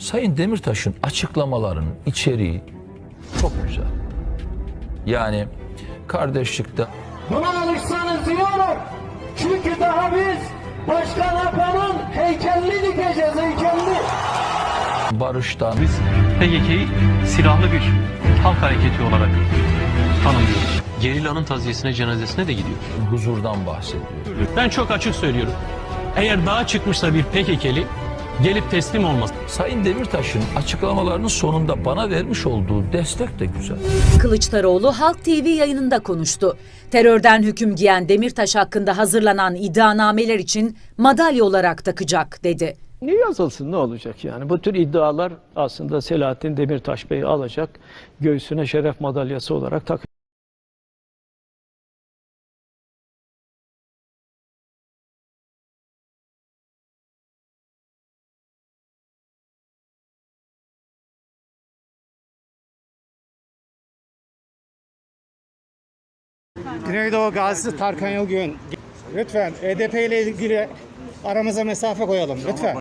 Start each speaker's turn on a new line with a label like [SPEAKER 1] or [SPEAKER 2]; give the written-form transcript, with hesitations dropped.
[SPEAKER 1] Sayın Demirtaş'ın açıklamalarının içeriği çok güzel. Yani kardeşlikte...
[SPEAKER 2] Buna alışsanız iyi olur. Çünkü daha biz Başkan Apo'nun heykelini dikeceğiz, heykelini.
[SPEAKER 1] Barıştan...
[SPEAKER 3] Biz PKK'yı silahlı bir halk hareketi olarak tanımlıyoruz. Gerillanın taziyesine, cenazesine de gidiyor.
[SPEAKER 1] Huzurdan bahsediyor.
[SPEAKER 3] Ben çok açık söylüyorum. Eğer dağa çıkmışsa bir PKK'li gelip teslim olmaz.
[SPEAKER 1] Sayın Demirtaş'ın açıklamalarının sonunda bana vermiş olduğu destek de güzel.
[SPEAKER 4] Kılıçdaroğlu Halk TV yayınında konuştu. Terörden hüküm giyen Demirtaş hakkında hazırlanan iddianameler için madalya olarak takacak dedi.
[SPEAKER 5] Niye yazılsın, ne olacak yani? Bu tür iddialar aslında Selahattin Demirtaş Bey'i alacak, göğsüne şeref madalyası olarak takacak.
[SPEAKER 6] Güneydoğu Gazisi Tarkan Yılgün. Lütfen HDP ile ilgili aramıza mesafe koyalım lütfen.